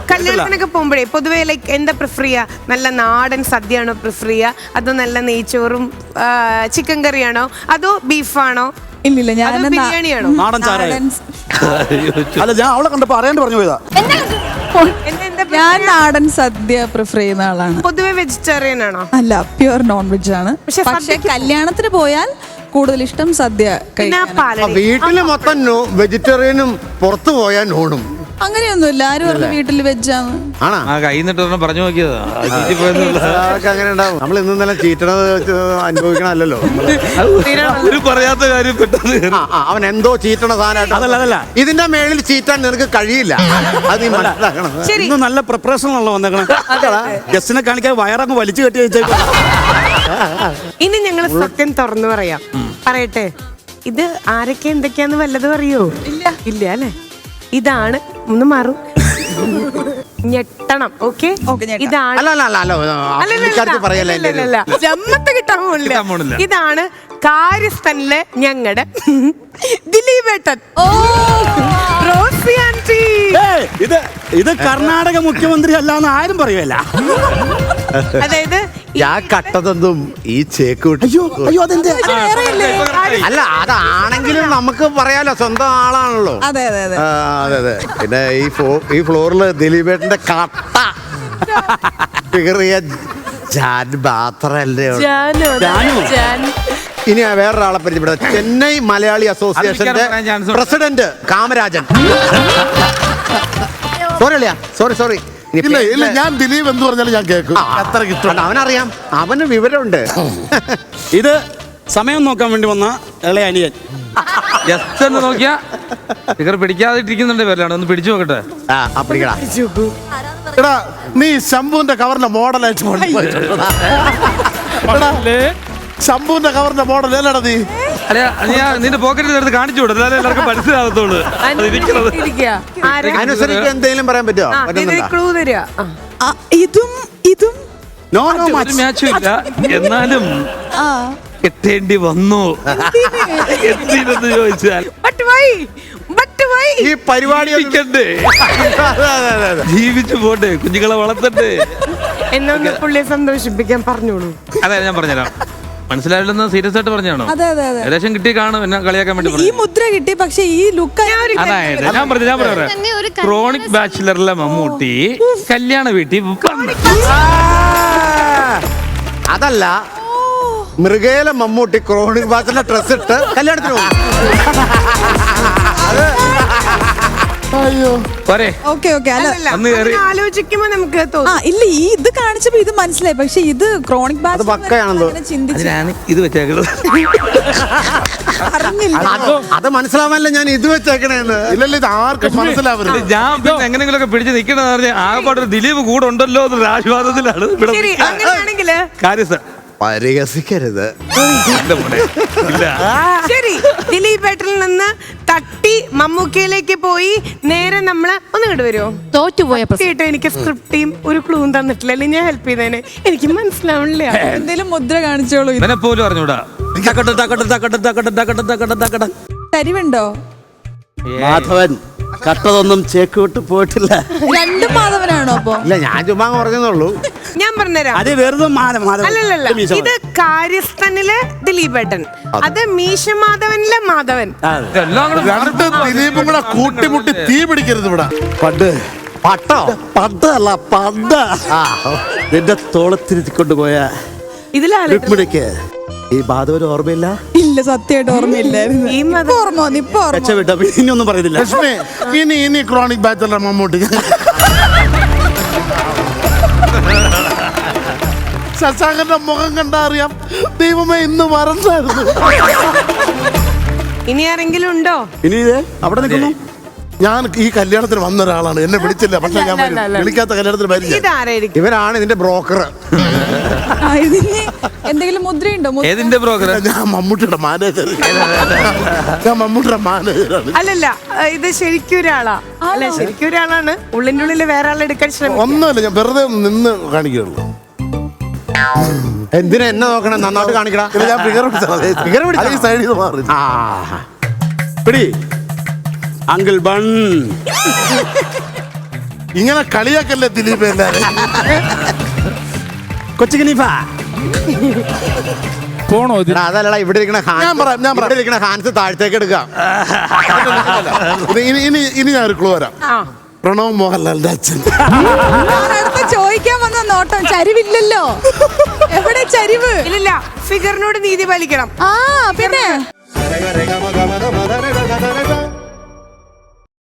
കല്യാണത്തിനൊക്കെ പോകുമ്പോഴേ പൊതുവെ ലൈക്ക് എന്താ പ്രിഫർ ചെയ്യാ? നല്ല നാടൻ സദ്യയാണോ പ്രിഫർ ചെയ്യാ, അതോ നല്ല നെയ്ച്ചോറും ചിക്കൻ കറിയാണോ, അതോ ബീഫാണോ, ഇല്ലില്ല ഞാൻ ബിരിയാണിയാണോ? നാടൻ ചാരായം. അല്ല ഞാൻ അവളെ കണ്ടപ്പോ അറിയാണ്ട് പറഞ്ഞു പോയതാ. ഞാൻ നാടൻ സദ്യ പ്രിഫർ ചെയ്യുന്ന ആളാണ്. പൊതുവെ വെജിറ്റേറിയൻ ആണോ? അല്ല, പ്യുവർ നോൺ വെജ് ആണ്. പക്ഷെ കല്യാണത്തിന് പോയാൽ കൂടുതൽ ഇഷ്ടം സദ്യ കഴിക്കാൻ. വീട്ടില് മൊത്തം വെജിറ്റേറിയനും പുറത്തു പോയാൽ നോണും. അങ്ങനെയൊന്നുമില്ല, ആരും പറഞ്ഞു വീട്ടിൽ വെജാണ്. കൈന്നിട്ട് പറഞ്ഞു നോക്കിയതാ. അങ്ങനെ ഉണ്ടാവും. നമ്മൾ ഇന്നലെ ചീറ്റണത് അനുഭവിക്കണല്ലോ. പറയാത്ത കാര്യം പെട്ടെന്ന് അവൻ എന്തോ ചീറ്റണ സാധനമായിട്ട്. അതല്ല ഇതിന്റെ മേളിൽ ചീറ്റാൻ നിനക്ക് കഴിയില്ല. അത് നീ മനസ്സിലാക്കണം. ഇന്ന് നല്ല പ്രിപ്പറേഷൻ ആണല്ലോ വന്നേക്കണം. ഗസ്റ്റിനെ കാണിക്കാൻ വയറങ്ങ് വലിച്ചു കെട്ടി വെച്ചേക്കും. ഇനി ഞങ്ങൾ സത്യം തുറന്നു പറയാം. പറയട്ടെ, ഇത് ആരൊക്കെ എന്തൊക്കെയാന്ന് വല്ലതും അറിയോ? ഇല്ല അല്ലെ? ഇതാണ് ഒന്ന് മാറും ഞെട്ടണം. ഓക്കെ, ഇതാണ് ജമ്മത്ത് കിട്ടാൻ പോണില്ല. ഇതാണ് കാര്യസ്ഥനിലെ ഞങ്ങളുടെ ദിലീപേട്ടൻ. റോസി ആന്റി, ഇത് കർണാടക മുഖ്യമന്ത്രി അല്ലാന്ന് ആരും പറയുമല്ല. അതായത് ഞാൻ കട്ടതെന്തും ഈ ചേക്കൂട്ടി. അല്ല, അതാണെങ്കിലും നമുക്ക് പറയാലോ, സ്വന്തം ആളാണല്ലോ. അതെ അതെ അതെ അതെ അതെ. പിന്നെ ഈ ഫ്ലോറില് ദിലീപേട്ടന്റെ കട്ട ഫിഗറിയ ജാൻ മാത്രല്ലേ. ഇനി വേറൊരാളെ പരിചയപ്പെടുക. ചെന്നൈ മലയാളി അസോസിയേഷന്റെ പ്രസിഡന്റ് കാമരാജൻ. സോറി. ഇല്ല ഞാൻ ദിലീപ് എന്ന് പറഞ്ഞാലും ഞാൻ കേൾക്കും. അത്ര കിട്ടും. അവനറിയാം, അവന് വിവരമുണ്ട്. ഇത് സമയം നോക്കാൻ വേണ്ടി വന്ന ഇളയ അനിയൻ. ജസ്റ്റ് ഒന്ന് നോക്കിയാ ഫിഗർ പിടിക്കാതിരിക്കുന്നുണ്ട്. പേരിലാണ് ഒന്ന് പിടിച്ചു നോക്കട്ടെ. എടാ നീ ശംഭുവിന്റെ കവറിന്റെ മോഡലായിട്ട് ശംഭുവിന്റെ കവറിന്റെ മോഡൽ അല്ലടാ നീ. അല്ല, നിന്റെ പോക്കറ്റിൽ എടുത്ത് കാണിച്ചു വിടും, എന്നാലേ എല്ലാവർക്കും മനസ്സിലാകത്തുള്ളൂ. അനുസരിച്ച് എന്തെങ്കിലും പറയാൻ പറ്റുമോ? ഇതും മാച്ചും ഇല്ല, എന്നാലും കെട്ടേണ്ടി വന്നു. എന്തിനെന്ന് ചോദിച്ചാൽ ഈ പരിപാടി ജീവിച്ചു പോട്ടെ, കുഞ്ഞുങ്ങളെ വളർത്തട്ടെ എന്നൊന്ന് പുള്ളിയെ സന്തോഷിപ്പിക്കാൻ പറഞ്ഞോളൂ. അതെ, ഞാൻ പറഞ്ഞുതരാം. മനസ്സിലായില്ലെന്ന് സീരിയസ് ആയിട്ട് പറഞ്ഞാണോ? ഏകദേശം കിട്ടി കാണും. എന്നെ കളിയാക്കാൻ വേണ്ടി ഈ മുദ്ര കിട്ടി. പക്ഷെ ഈ ലുക്ക് അതായത് ഞാൻ പറയാം, ക്രോണിക് ബാച്ചിലറിലെ മമ്മൂട്ടി കല്യാണ വീട്ടിൽ അതല്ല, മൃഗേല മമ്മൂട്ടി ക്രോണിക് ബാച്ചിലെ ഡ്രസ് ഇട്ട് കല്യാണത്തിന് പോകും. ആലോചിക്കുമ്പോ നമുക്ക് ഇല്ല, ഈ ഇത് കാണിച്ചപ്പോ ഇത് മനസ്സിലായി. പക്ഷെ ഇത് ക്രോണിക് ഇത് വെച്ചേക്കുന്നത്. അത് മനസ്സിലാവാനല്ല ഞാൻ ഇത് വെച്ചേക്കണേന്ന്. ഇല്ലല്ല, ഇത് ആർക്കും മനസ്സിലാവരുത്. ഞാൻ പിന്നെ എങ്ങനെയെങ്കിലും ഒക്കെ പിടിച്ച് നിക്കണെന്ന് പറഞ്ഞാൽ ആകെപ്പാട് ദിലീപ് കൂടെ ഉണ്ടല്ലോ എന്നൊരു ആശ്വാസത്തിലാണ്. പരിഹസിക്കരുത്. ശരി, ദിലീപേട്ടനിൽ നിന്ന് തട്ടി മമ്മൂക്കയിലേക്ക് പോയി നേരെ നമ്മള് ഒന്ന് ഇങ്ങോട്ട് വരുമോ? തോറ്റുപോയ കേട്ടോ, എനിക്ക് സ്ക്രിപ്റ്റും ഒരു ക്ലൂവും തന്നിട്ടില്ല, അല്ലെങ്കിൽ ഞാൻ ഹെൽപ്പ് ചെയ്തേനെ. എനിക്ക് മനസ്സിലാവണില്ല. എന്തേലും മുദ്ര കാണിച്ചോളൂ. ഇവനെ പോലും അറിഞ്ഞൂടാ. തരിവുണ്ടോ? മാധവൻ കട്ടതൊന്നും ചേക്കൂട്ട് പോയിട്ടില്ല. രണ്ടും മാധവനാണോ? അപ്പൊ ഇല്ല, ഞാൻ ചുമ്മാ പറഞ്ഞുള്ളൂ. ഞാൻ പറഞ്ഞുതരാം. അത് വെറുതെ അല്ലല്ല, ഇത് കാര്യസ്ഥനിലെ ദിലീപേട്ടൻ, അത് മീശമാധവനിലെ മാധവൻ. രണ്ട് ദിലീപും കൂടെ കൂട്ടിമുട്ടി തീ പിടിക്കരുത് ഇവിടെ. പണ്ടല്ല നിന്റെ തോളത്തിരുത്തിക്കൊണ്ടുപോയ രുക്മിണിക്ക് ഈ ബാധവന് ഓർമ്മയില്ല? ഇല്ല, സത്യമായിട്ട് ഓർമ്മയില്ലായിരുന്നു. ഇനിയൊന്നും പറയുന്നില്ല. ലക്ഷ്മി, ഇനി ക്രോണിക് ബാച്ചിലർ മമ്മൂട്ടി. ശശാങ്കന്റെ മുഖം കണ്ടാ അറിയാം. ദൈവമേ, ഇന്ന് മറന്നായിരുന്നു. ഇനി ആരെങ്കിലും ഉണ്ടോ? ഇനി അവിടെ നിൽക്കുന്നു. ഞാൻ ഈ കല്യാണത്തിന് വന്ന ഒരാളാണ്, എന്നെ വിളിച്ചില്ല. പക്ഷെ ഞാൻ വിളിക്കാത്ത കല്യാണത്തിന് വരില്ല. ഇവരാണ് ഇതിന്റെ ബ്രോക്കർ. എന്തെങ്കിലും മുദ്രയുണ്ടോ? ഏതിന്റെ ബ്രോക്കർ? ഞാൻ മമ്മൂട്ടിയുടെ മാനേജർ. അല്ലല്ല, ഇത് ശരിക്കും ഒരാളാ. അല്ല, ശരിക്കും ഒരാളാണ്. ഉള്ളിന്റെ ഉള്ളിൽ വേറെ ആളെടുക്കാൻ ശ്രമിക്കും. ഒന്നുമില്ല, ഞാൻ വെറുതെ നിന്ന് കാണിക്കുള്ളൂ. എന്തിനാ എന്നെ നോക്കണം? നന്നായിട്ട് കാണിക്കണം. ഞാൻ ഫിഗർ പിടിച്ച സൈഡിൽ മാറി. പിടി അങ്കിൾ ബൺ. ഇങ്ങനെ കളിയാക്കല്ലേ ദിലീപ് എല്ലാരും. കൊച്ചു ഖലീഫ പോണോ ഇത്? എടാ, അതല്ലടാ ഇവിടെ ഇരിക്കണ ഞാൻ പറയാം. ഇവിടെ ഇരിക്കണ ഹാൻസ് താഴത്തേക്ക് എടുക്കാം. ഇനി ഞാൻ ഒരു ക്ലൂ വരാം. പ്രണവ് മോഹൻലാലിന്റെ അച്ഛൻ. അടുത്ത് ചോദിക്കാൻ വന്ന നോട്ടം ചരിവില്ലല്ലോ. എവിടെ ചരിവ്? ഇല്ലില്ല, ഫിഗറിനോട് നീതി പാലിക്കണം. ആ പിന്നെ